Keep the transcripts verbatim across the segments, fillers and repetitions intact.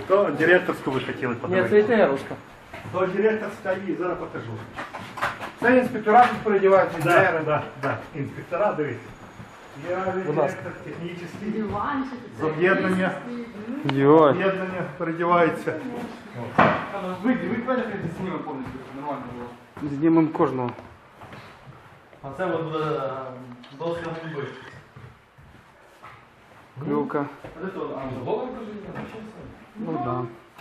То директорську ви хотіли Ні, подивитися. це ІТРовська. То директорська і зараз покажу. Це інспектора тут переодіваються, Да, інженери. да, да. Інспектора, дивіться. Я Будь ласка. директор технічний. Диванчик. З об'єднання. Йой. Об'єднання передівається. Ви, ви пам'ятаєте, знімемо повністю, нормально було. Знімемо кожного. А це от буде доска губи. Клюка. А де то? А, з голови кажуть? Ну да.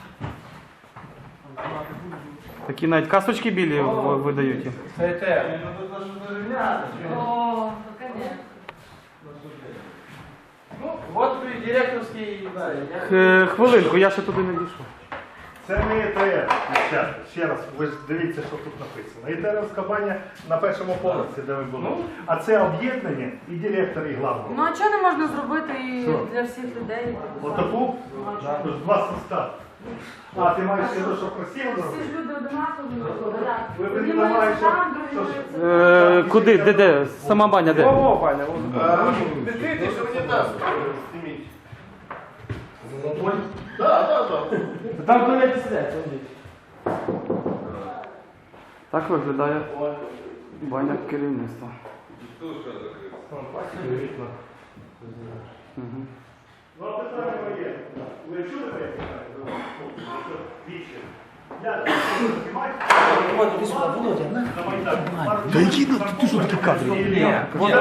Такі навіть касочки білі в- видають. їм. Це ІТР. Ну тут даже дерев'яна. О, ну конечно. Ну, от і директорський, да, я... Е, Хвилинку, я ще туди не дійшов. Це не ІТР. Ще, ще раз, ви ж дивіться, що тут написано. ІТРівська баня на першому поверсі, де ви були. А це об'єднання і директор, і главного. Ну а чого не можна зробити і Що? для всіх людей? Отаку? Ну, а чого? Тож два состави. А, ти маєш ще що красиво Всі зробити? ж люди одинакові. так. Ви Одні приймаєте, мають там, що- другі що- мають Е, куди? Де, де? Сама баня де? О, Ваня, от. Не ти, що унітаз зніміть. Да, да, да. Там туалети сидять, ходіть. Так виглядає баня керівництва. Угу. Ну, а питання моє. Ви чули моє питання? Віче. Я знімаю. От, іди сюди, Володя, на. На Майдані. Та які, ну, ти що такі кадри? Ні,